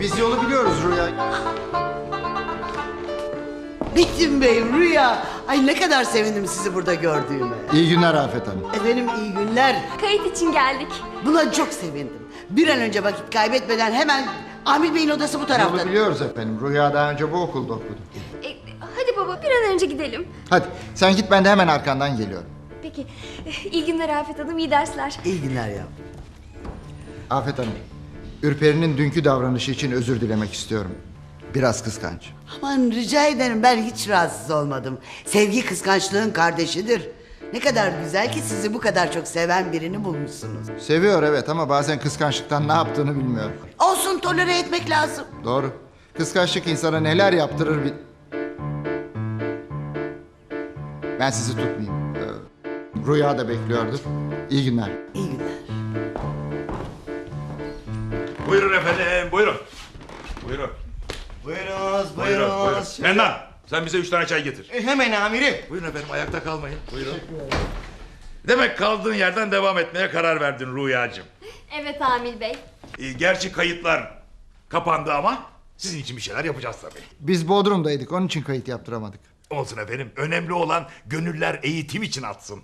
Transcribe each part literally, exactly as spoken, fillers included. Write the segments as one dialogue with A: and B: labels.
A: biz yolu biliyoruz Rüya.
B: Metin Bey, Rüya. Ay ne kadar sevindim sizi burada gördüğüme.
A: İyi günler Afet Hanım.
B: Efendim iyi günler.
C: Kayıt için geldik.
B: Buna çok sevindim. Bir an önce vakit kaybetmeden hemen Amil Bey'in odası bu tarafta.
A: Yolu biliyoruz efendim. Rüya daha önce bu okulda okudu.
C: E, hadi baba bir an önce gidelim.
A: Hadi sen git, ben de hemen arkandan geliyorum.
C: Peki. E, iyi günler Afet Hanım, iyi dersler.
B: İyi günler ya.
A: Afet Hanım, Ürperi'nin dünkü davranışı için özür dilemek istiyorum. Biraz kıskanç.
B: Aman rica ederim, ben hiç rahatsız olmadım. Sevgi kıskançlığın kardeşidir. Ne kadar güzel ki sizi bu kadar çok seven birini bulmuşsunuz.
A: Seviyor evet, ama bazen kıskançlıktan ne yaptığını bilmiyor.
B: Olsun, tolere etmek lazım.
A: Doğru. Kıskançlık insana neler yaptırır bil... Ben sizi tutmayayım. Ee, Rüya da bekliyordur. İyi günler.
B: İyi günler.
D: Buyurun efendim, buyurun. Buyurun.
E: Buyurunuz,
D: Buyurun, buyurun.
E: buyurunuz.
D: Mendan, sen bize üç tane çay getir.
E: E, hemen amirim.
D: Buyurun efendim, ayakta kalmayın. Buyurun. Demek kaldığın yerden devam etmeye karar verdin Rüyacığım.
C: Evet Amil Bey.
D: Ee, gerçi kayıtlar kapandı ama sizin için bir şeyler yapacağız tabii.
A: Biz Bodrum'daydık, onun için kayıt yaptıramadık.
D: Olsun efendim, önemli olan gönüller eğitim için atsın.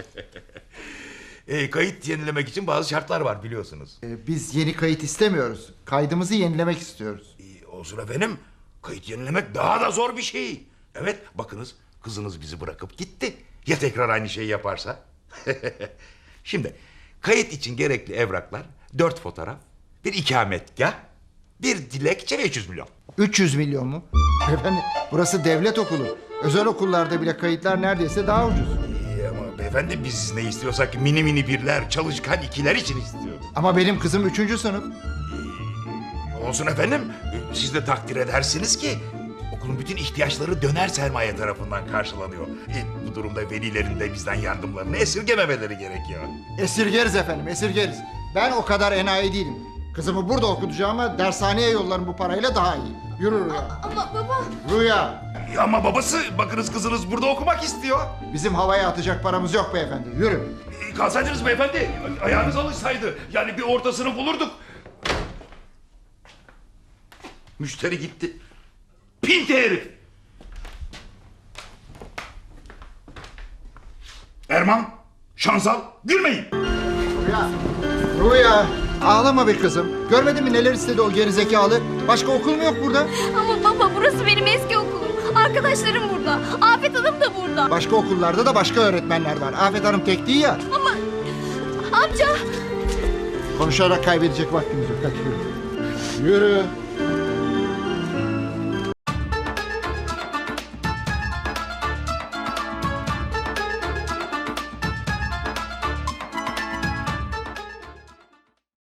D: e, kayıt yenilemek için bazı şartlar var biliyorsunuz.
A: Ee, biz yeni kayıt istemiyoruz. Kaydımızı yenilemek istiyoruz.
D: E, olsun efendim, kayıt yenilemek daha da zor bir şey. Evet, bakınız kızınız bizi bırakıp gitti. Ya tekrar aynı şeyi yaparsa? Şimdi kayıt için gerekli evraklar: dört fotoğraf, bir ikametgah, bir dilekçe ve üç yüz milyon.
A: üç yüz milyon mu? Efendim, burası devlet okulu. Özel okullarda bile kayıtlar neredeyse daha ucuz.
D: İyi ama beyefendi, biz ne istiyorsak mini mini birler, çalışkan ikiler için istiyoruz.
A: Ama benim kızım üçüncü sınıf.
D: Olsun efendim, siz de takdir edersiniz ki okulun bütün ihtiyaçları döner sermaye tarafından karşılanıyor. E, bu durumda velilerin de bizden yardımlarını esirgememeleri gerekiyor.
A: Esirgeriz efendim, esirgeriz. Ben o kadar enayi değilim. Kızımı burada okutacağıma dershaneye yollarım bu parayla daha iyi. Yürü Rüya.
C: Ama baba.
A: Rüya.
D: E, ama babası, bakınız kızınız burada okumak istiyor.
A: Bizim havaya atacak paramız yok beyefendi. Yürü.
D: E, kalsaydınız beyefendi, ayağınız alışsaydı. Yani bir ortasını bulurduk. Müşteri gitti. Pinti herif. Erman, Şansal, gülmeyin.
A: Rüya. Rüya. Ağlama be kızım. Görmedin mi neler istedi o gerizekalı? Başka okul mu yok burada?
C: Ama baba burası benim eski okulum. Arkadaşlarım burada. Afet Hanım da burada.
A: Başka okullarda da başka öğretmenler var. Afet Hanım tek değil ya.
C: Ama amca.
A: Konuşarak kaybedecek vaktimiz yok. Hadi yürü. Yürü.